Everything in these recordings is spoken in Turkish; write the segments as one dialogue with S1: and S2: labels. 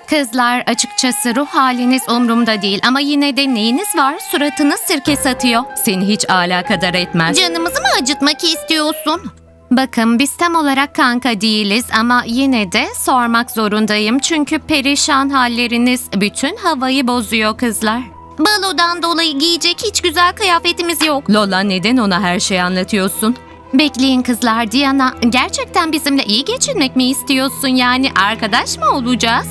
S1: Kızlar, açıkçası ruh haliniz umurumda değil ama yine de neyiniz var? Suratınız sirke satıyor. Seni hiç alakadar etmez.
S2: Canımızı mı acıtmak istiyorsun?
S1: Bakın, biz tam olarak kanka değiliz ama yine de sormak zorundayım. Çünkü perişan halleriniz bütün havayı bozuyor kızlar.
S2: Balodan dolayı giyecek hiç güzel kıyafetimiz yok.
S1: Lola, neden ona her şeyi anlatıyorsun? Bekleyin kızlar, Diana, gerçekten bizimle iyi geçinmek mi istiyorsun, yani arkadaş mı olacağız?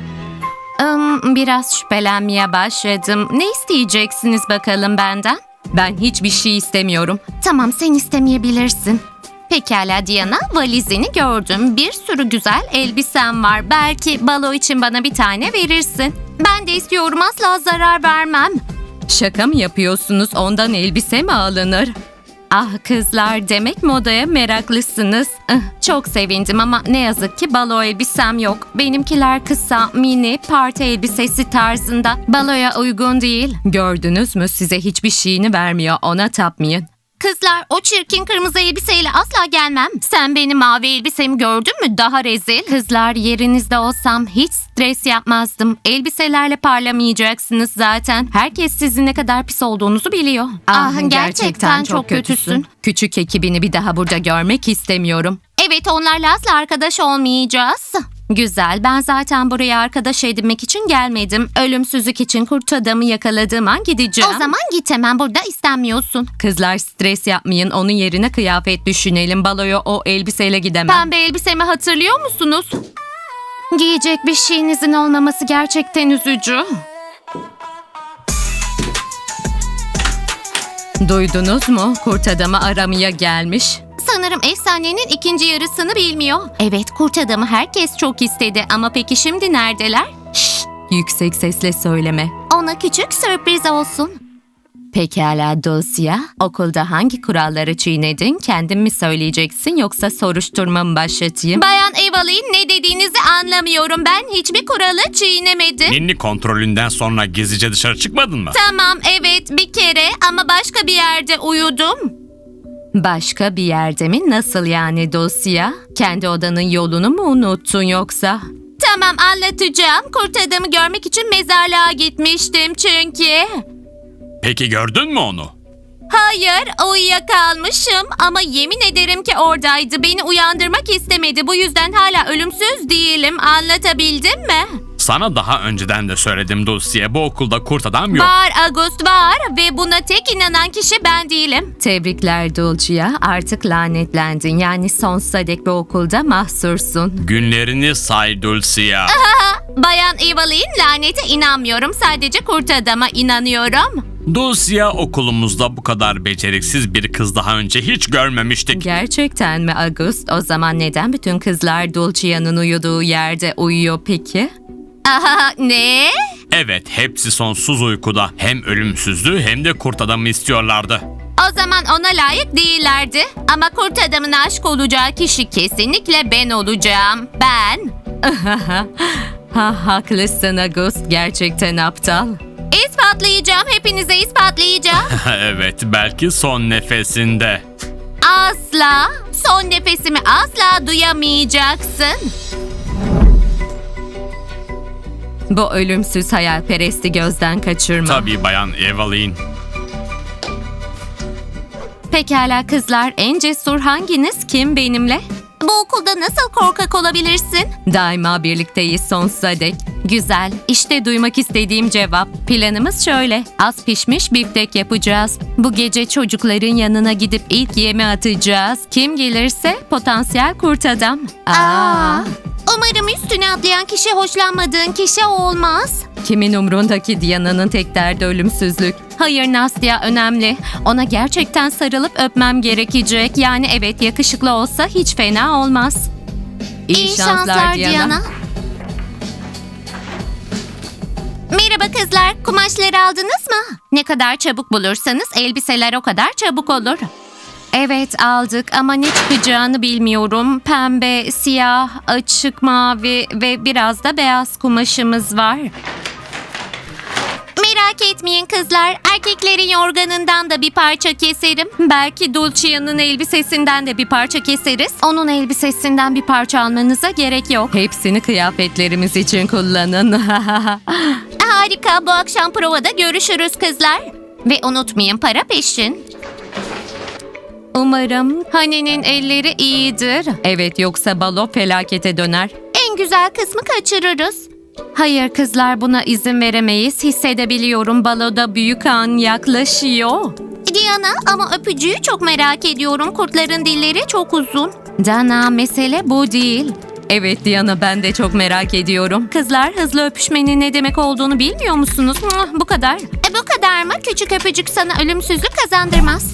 S1: Biraz şüphelenmeye başladım. Ne isteyeceksiniz bakalım benden? Ben hiçbir şey istemiyorum.
S2: Tamam, sen istemeyebilirsin.
S1: Pekala Diana, valizini gördüm. Bir sürü güzel elbisen var. Belki balo için bana bir tane verirsin.
S2: Ben de istiyorum, asla zarar vermem.
S1: Şaka mı yapıyorsunuz? Ondan elbise mi alınır? Ah kızlar, demek modaya meraklısınız. Çok sevindim ama ne yazık ki balo elbisem yok. Benimkiler kısa, mini, parti elbisesi tarzında. Baloya uygun değil. Gördünüz mü? Size hiçbir şeyini vermiyor. Ona tapmayın.
S2: Kızlar, o çirkin kırmızı elbiseyle asla gelmem.
S1: Sen benim mavi elbisemi gördün mü? Daha rezil. Kızlar, yerinizde olsam hiç stres yapmazdım. Elbiselerle parlamayacaksınız zaten. Herkes sizin ne kadar pis olduğunuzu biliyor.
S2: Gerçekten çok kötüsün.
S1: Küçük ekibini bir daha burada görmek istemiyorum.
S2: Evet, onlarla asla arkadaş olmayacağız.
S1: Güzel, ben zaten buraya arkadaş edinmek için gelmedim. Ölümsüzlük için kurt adamı yakaladığım an gideceğim.
S2: O zaman git, hemen burada istenmiyorsun.
S1: Kızlar, stres yapmayın. Onun yerine kıyafet düşünelim. Baloya o elbiseyle gidemem.
S2: Pembe elbisemi hatırlıyor musunuz?
S1: Giyecek bir şeyinizin olmaması gerçekten üzücü. Duydunuz mu? Kurt adamı aramaya gelmiş.
S2: Sanırım efsanenin ikinci yarısını bilmiyor.
S1: Evet, kurt adamı herkes çok istedi ama peki şimdi neredeler? Şşt, yüksek sesle söyleme.
S2: Ona küçük sürpriz olsun.
S1: Pekala Dulcia, okulda hangi kuralları çiğnedin? Kendin mi söyleyeceksin yoksa soruşturma mı başlatayım?
S2: Bayan Evelyn, ne dediğinizi anlamıyorum. Ben hiçbir kuralı çiğnemedim.
S3: Ninni kontrolünden sonra gizlice dışarı çıkmadın mı?
S2: Tamam, evet, bir kere ama başka bir yerde uyudum.
S1: Başka bir yerde mi? Nasıl yani Dulcia? Kendi odanın yolunu mu unuttun yoksa?
S2: Tamam, anlatacağım. Kurt adamı görmek için mezarlığa gitmiştim çünkü.
S3: Peki gördün mü onu?
S2: Hayır, uyuyakalmışım ama yemin ederim ki oradaydı. Beni uyandırmak istemedi. Bu yüzden hala ölümsüz değilim. Anlatabildim mi?
S3: Sana daha önceden de söyledim Dulcie, bu okulda kurt adam yok.
S2: Var August, var ve buna tek inanan kişi ben değilim.
S1: Tebrikler Dulcia, artık lanetlendin. Yani sonsuza dek bu okulda mahsursun.
S3: Günlerini say Dulcie.
S2: Bayan Evelyn, lanete inanmıyorum. Sadece kurt adama inanıyorum.
S3: Dulcie, okulumuzda bu kadar beceriksiz bir kız daha önce hiç görmemiştik.
S1: Gerçekten mi August? O zaman neden bütün kızlar Dulcia'nın uyuduğu yerde uyuyor peki?
S2: Aha, ne?
S3: Evet, hepsi sonsuz uykuda. Hem ölümsüzlüğü hem de kurt adamı istiyorlardı.
S2: O zaman ona layık değillerdi. Ama kurt adamın aşık olacağı kişi kesinlikle ben olacağım. Ben.
S1: Haklısın August, gerçekten aptal.
S2: İspatlayacağım, hepinize ispatlayacağım.
S3: Evet, belki son nefesinde.
S2: Asla, son nefesimi asla duyamayacaksın.
S1: Bu ölümsüz hayalperesti gözden kaçırma.
S3: Tabii Bayan Evelyn.
S1: Pekala kızlar, en cesur hanginiz? Kim benimle?
S2: Bu okulda nasıl korkak olabilirsin?
S1: Daima birlikteyiz sonsuza dek. Güzel, işte duymak istediğim cevap. Planımız şöyle, az pişmiş biftek yapacağız. Bu gece çocukların yanına gidip ilk yemi atacağız. Kim gelirse potansiyel kurt adam.
S2: Umarım üstüne atlayan kişi hoşlanmadığın kişi olmaz.
S1: Kimin umrundaki Diana'nın tek derdi ölümsüzlük. Hayır Nastya, önemli. Ona gerçekten sarılıp öpmem gerekecek. Yani evet, yakışıklı olsa hiç fena olmaz.
S2: İyi şanslar Diana. Merhaba kızlar, kumaşları aldınız mı? Ne kadar çabuk bulursanız elbiseler o kadar çabuk olur.
S1: Evet, aldık ama ne çıkacağını bilmiyorum. Pembe, siyah, açık mavi ve biraz da beyaz kumaşımız var.
S2: Merak Merak etmeyin kızlar. Erkeklerin yorganından da bir parça keserim.
S1: Belki Dulcia'nın elbisesinden de bir parça keseriz. Onun elbisesinden bir parça almanıza gerek yok. Hepsini kıyafetlerimiz için kullanın.
S2: Harika. Bu akşam provada görüşürüz kızlar. Ve unutmayın, para peşin.
S1: Umarım Hani'nin elleri iyidir. Evet, yoksa balo felakete döner.
S2: En güzel kısmı kaçırırız.
S1: Hayır kızlar, buna izin veremeyiz. Hissedebiliyorum, baloda büyük an yaklaşıyor.
S2: Diana, ama öpücüğü çok merak ediyorum. Kurtların dilleri çok uzun.
S1: Dana, mesele bu değil. Evet Diana, ben de çok merak ediyorum. Kızlar, hızlı öpüşmenin ne demek olduğunu bilmiyor musunuz? Bu kadar.
S2: Bu kadar mı? Küçük öpücük sana ölümsüzlük kazandırmaz.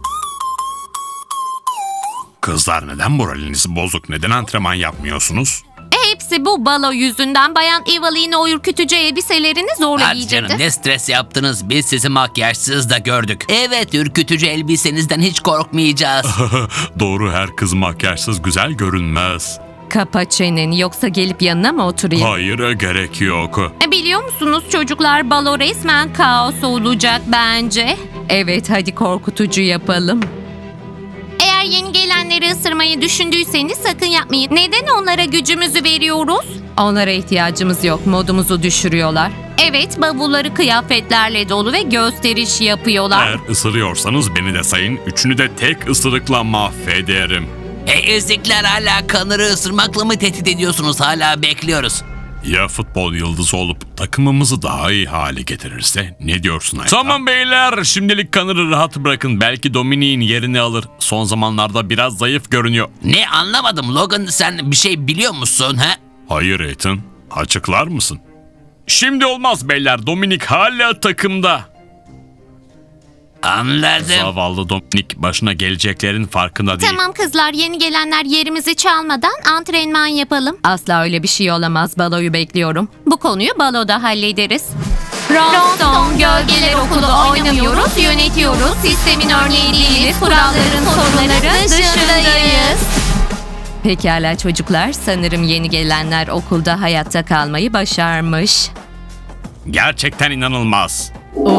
S3: Kızlar, neden moraliniz bozuk? Neden antrenman yapmıyorsunuz?
S1: Hepsi bu balo yüzünden. Bayan Evelyn o ürkütücü elbiselerini zorla
S4: Hadi canım,
S1: giydirdi.
S4: ne stres yaptınız, biz sizi makyajsız da gördük. Evet, ürkütücü elbisenizden hiç korkmayacağız.
S3: Doğru, her kız makyajsız güzel görünmez.
S1: Kapa çeneni, yoksa gelip yanına mı oturayım?
S3: Hayır, gerek yok.
S1: Biliyor musunuz çocuklar, balo resmen kaos olacak bence. Evet, hadi korkutucu yapalım.
S2: Eğer yeni gelenleri ısırmayı düşündüyseniz sakın yapmayın. Neden onlara gücümüzü veriyoruz?
S1: Onlara ihtiyacımız yok, modumuzu düşürüyorlar. Evet, bavulları kıyafetlerle dolu ve gösteriş yapıyorlar.
S3: Eğer ısırıyorsanız beni de sayın. Üçünü de tek ısırıkla mahvederim.
S4: Hey ezikler, hala Connor'ı ısırmakla mı tehdit ediyorsunuz? Hala bekliyoruz.
S3: Ya futbol yıldızı olup takımımızı daha iyi hale getirirse? Ne diyorsun Ayta? Tamam beyler, şimdilik Connor'ı rahat bırakın. Belki Dominik'in yerini alır. Son zamanlarda biraz zayıf görünüyor.
S4: Ne, anlamadım Logan, sen bir şey biliyor musun ha?
S3: Hayır Ethan, açıklar mısın? Şimdi olmaz beyler, Dominik hala takımda.
S4: Anladım.
S3: Zavallı Dominik başına geleceklerin farkında değil.
S2: Tamam kızlar, yeni gelenler yerimizi çalmadan antrenman yapalım.
S1: Asla öyle bir şey olamaz, baloyu bekliyorum. Bu konuyu baloda hallederiz.
S2: Ronstone Gölgeler Okulu oynamıyoruz, yönetiyoruz. Sistemin örneği değiliz, kuralların sorunları dışındayız.
S1: Pekala çocuklar, sanırım yeni gelenler okulda hayatta kalmayı başarmış.
S3: Gerçekten inanılmaz.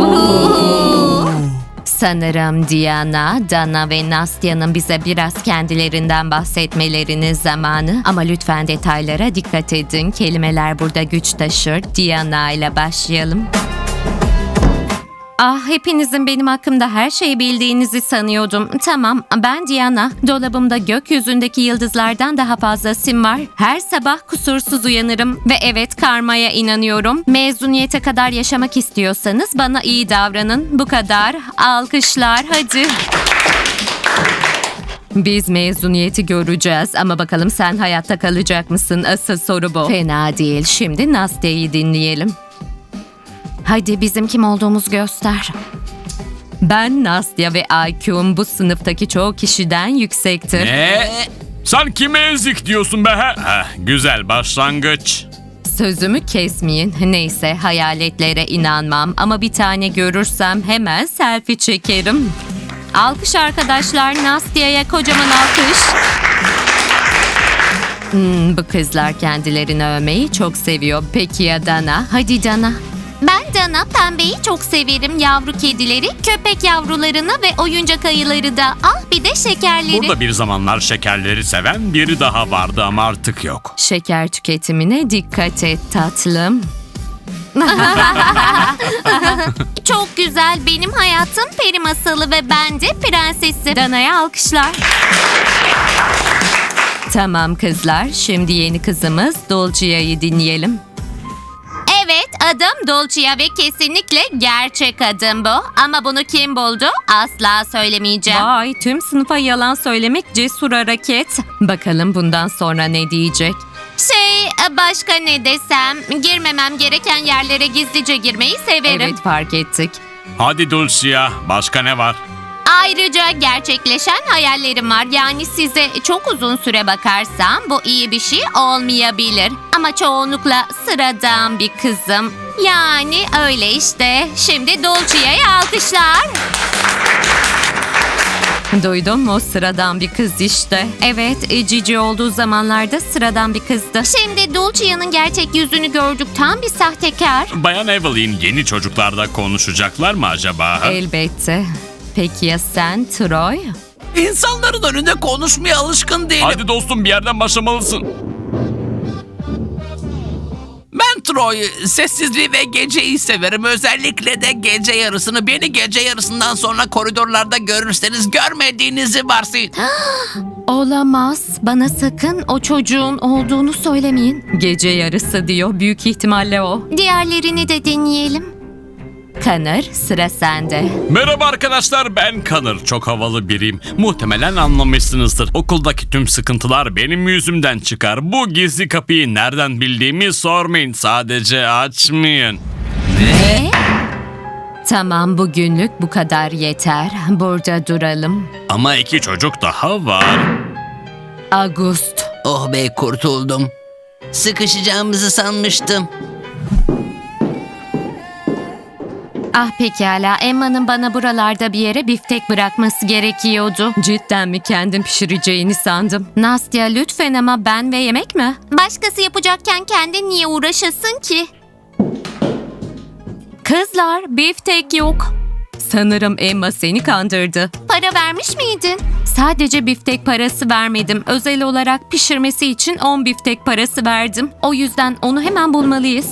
S1: Sanırım Diana, Dana ve Nastya'nın bize biraz kendilerinden bahsetmelerinin zamanı. Ama lütfen detaylara dikkat edin. Kelimeler burada güç taşır. Diana ile başlayalım. Ah, hepinizin benim hakkımda her şeyi bildiğinizi sanıyordum. Tamam, ben Diana. Dolabımda gökyüzündeki yıldızlardan daha fazla sim var. Her sabah kusursuz uyanırım. Ve evet, karmaya inanıyorum. Mezuniyete kadar yaşamak istiyorsanız bana iyi davranın. Bu kadar. Alkışlar, hadi. Biz mezuniyeti göreceğiz ama bakalım sen hayatta kalacak mısın? Asıl soru bu. Fena değil. Şimdi Nastya'yı dinleyelim. Hadi bizim kim olduğumuzu göster. Ben Nastya ve IQ'm bu sınıftaki çoğu kişiden yüksektir.
S3: Ne? Sen kime ezik diyorsun be ha? Güzel başlangıç.
S1: Sözümü kesmeyin. Neyse, hayaletlere inanmam ama bir tane görürsem hemen selfie çekerim. Alkış arkadaşlar, Nastya'ya kocaman alkış. Bu kızlar kendilerini övmeyi çok seviyor. Peki ya Dana? Hadi Dana.
S2: Ben Dana, pembeyi çok severim. Yavru kedileri, köpek yavrularını ve oyuncak ayıları da. Ah, bir de şekerleri.
S3: Burada bir zamanlar şekerleri seven biri daha vardı ama artık yok.
S1: Şeker tüketimine dikkat et tatlım.
S2: Çok güzel. Benim hayatım peri masalı ve ben de prensesim.
S1: Dana'ya alkışlar. Tamam kızlar, şimdi yeni kızımız Dulcia'yı dinleyelim.
S2: Evet, adım Dulcia ve kesinlikle gerçek adım bu. Ama bunu kim buldu? Asla söylemeyeceğim.
S1: Vay, tüm sınıfa yalan söylemek cesur hareket. Bakalım bundan sonra ne diyecek?
S2: Başka ne desem? Girmemem gereken yerlere gizlice girmeyi severim.
S1: Evet, fark ettik.
S3: Hadi Dulcia, başka ne var?
S2: Ayrıca gerçekleşen hayallerim var. Yani size çok uzun süre bakarsam bu iyi bir şey olmayabilir. Ama çoğunlukla sıradan bir kızım. Yani öyle işte. Şimdi Dulcia'ya alkışlar.
S1: Duydun mu? Sıradan bir kız işte. Evet, Cici olduğu zamanlarda sıradan bir kızdı.
S2: Şimdi Dulcia'nın gerçek yüzünü gördük. Tam bir sahtekar.
S3: Bayan Evelyn yeni çocuklarda konuşacaklar mı acaba?
S1: Elbette. Peki ya sen Troy?
S4: İnsanların önünde konuşmaya alışkın değilim.
S3: Hadi dostum bir yerden başlamalısın.
S4: Ben Troy, sessizliği ve geceyi severim. Özellikle de gece yarısını. Beni gece yarısından sonra koridorlarda görürseniz görmediğinizi varsayın.
S1: Olamaz. Bana sakın o çocuğun olduğunu söylemeyin. Gece yarısı diyor. Büyük ihtimalle o.
S2: Diğerlerini de deneyelim.
S1: Connor, sıra sende.
S3: Merhaba arkadaşlar, ben Connor. Çok havalı biriyim. Muhtemelen anlamışsınızdır. Okuldaki tüm sıkıntılar benim yüzümden çıkar. Bu gizli kapıyı nereden bildiğimi sormayın. Sadece açmayın.
S1: Tamam, bugünlük bu kadar yeter. Burada duralım.
S3: Ama 2 çocuk daha var.
S1: August.
S4: Oh be, kurtuldum. Sıkışacağımızı sanmıştım.
S1: Ah pekala, Emma'nın bana buralarda bir yere biftek bırakması gerekiyordu. Cidden mi kendin pişireceğini sandım. Nastya lütfen, ama ben ve yemek mi?
S2: Başkası yapacakken kendin niye uğraşasın ki?
S1: Kızlar, biftek yok. Sanırım Emma seni kandırdı.
S2: Para vermiş miydin?
S1: Sadece biftek parası vermedim. Özel olarak pişirmesi için 10 biftek parası verdim. O yüzden onu hemen bulmalıyız.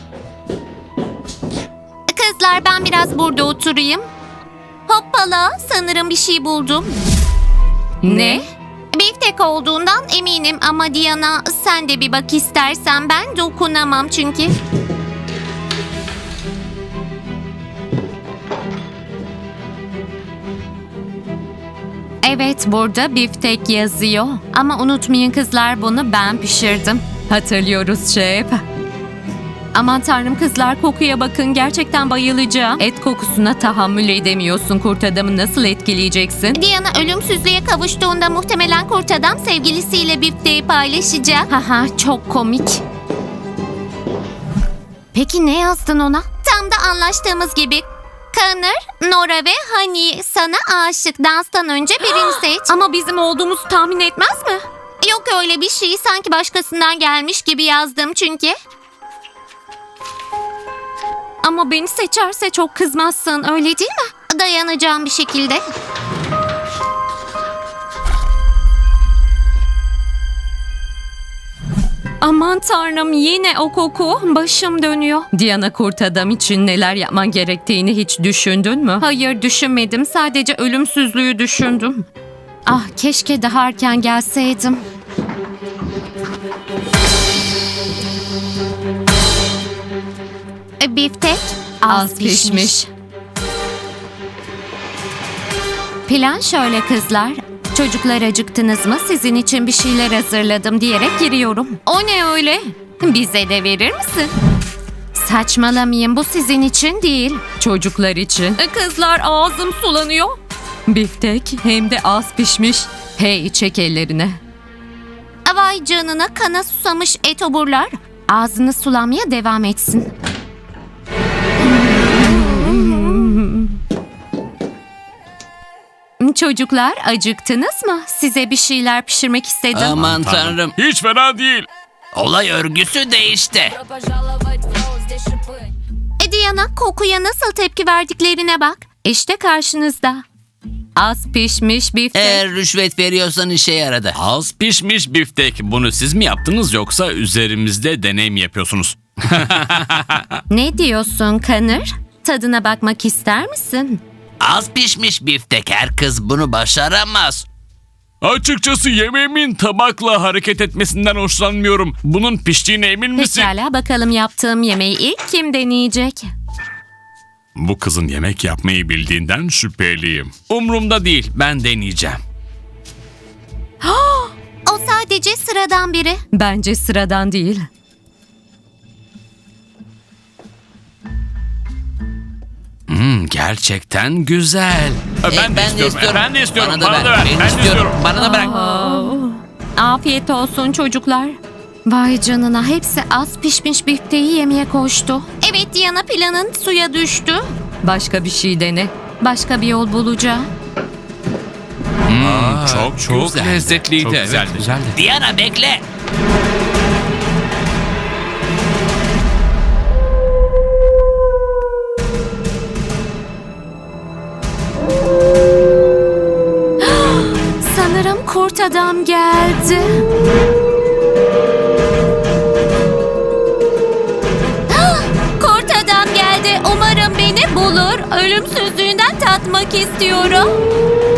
S2: Kızlar, ben biraz burada oturayım. Hoppala, sanırım bir şey buldum.
S1: Ne?
S2: Biftek olduğundan eminim ama Diana, sen de bir bak istersen, ben dokunamam çünkü.
S1: Evet, burada biftek yazıyor. Ama unutmayın kızlar, bunu ben pişirdim. Hatırlıyoruz şef. Aman tanrım kızlar, kokuya bakın, gerçekten bayılacağım. Et kokusuna tahammül edemiyorsun, kurt adamı nasıl etkileyeceksin?
S2: Diana ölümsüzlüğe kavuştuğunda muhtemelen kurt adam sevgilisiyle bifteği paylaşacak.
S1: Haha, çok komik. Peki ne yazdın ona?
S2: Tam da anlaştığımız gibi. Connor, Nora ve Honey sana aşık. Danstan önce birini seç.
S1: Ama bizim olduğumuzu tahmin etmez mi?
S2: Yok öyle bir şey. Sanki başkasından gelmiş gibi yazdım çünkü.
S1: Ama beni seçerse çok kızmazsın, öyle değil mi?
S2: Dayanacağım bir şekilde.
S1: Aman tanrım, yine o koku. Başım dönüyor. Diana, kurt adam için neler yapman gerektiğini hiç düşündün mü? Hayır, düşünmedim. Sadece ölümsüzlüğü düşündüm. Ah, keşke daha erken gelseydim.
S2: Biftek
S1: Az pişmiş. Plan şöyle kızlar. Çocuklar, acıktınız mı? Sizin için bir şeyler hazırladım diyerek giriyorum. O ne öyle? Bize de verir misin? Saçmalamayın, bu sizin için değil. Çocuklar için. Kızlar, ağzım sulanıyor. Biftek hem de az pişmiş. Hey, çek ellerine.
S2: Vay canına, kana susamış etoburlar.
S1: Ağzını sulamaya devam etsin. Çocuklar, acıktınız mı? Size bir şeyler pişirmek istedim.
S4: Aman tanrım.
S3: Hiç fena değil.
S4: Olay örgüsü değişti.
S2: Diana, kokuya nasıl tepki verdiklerine bak.
S1: İşte karşınızda. Az pişmiş biftek.
S4: Eğer rüşvet veriyorsan işe yaradı.
S3: Az pişmiş biftek. Bunu siz mi yaptınız yoksa üzerimizde deney mi yapıyorsunuz?
S1: Ne diyorsun Connor? Tadına bakmak ister misin?
S4: Az pişmiş biftek, her kız bunu başaramaz.
S3: Açıkçası yemeğimin tabakla hareket etmesinden hoşlanmıyorum. Bunun piştiğine emin misin?
S1: Pekala, bakalım yaptığım yemeği ilk kim deneyecek?
S3: Bu kızın yemek yapmayı bildiğinden şüpheliyim.
S4: Umrumda değil, ben deneyeceğim.
S2: O sadece sıradan biri.
S1: Bence sıradan değil.
S4: Gerçekten güzel.
S3: Ben de istiyorum. Ben de istiyorum. Bana da ver.
S4: Ben
S3: Ben de
S4: istiyorum.
S3: istiyorum.
S4: Bana da bırak.
S1: Afiyet olsun çocuklar. Vay canına, hepsi az pişmiş bifteği yemeye koştu.
S2: Evet Diana, planın suya düştü.
S1: Başka bir şey dene. Başka bir yol bulacağım.
S3: çok
S4: güzeldi.
S3: lezzetliydi.
S4: Çok
S3: Evet,
S4: güzeldi.
S3: güzeldi.
S4: Diana bekle.
S1: Sanırım kurt adam geldi.
S2: Kurt adam geldi. Umarım beni bulur. Ölümsüzlüğünden tatmak istiyorum.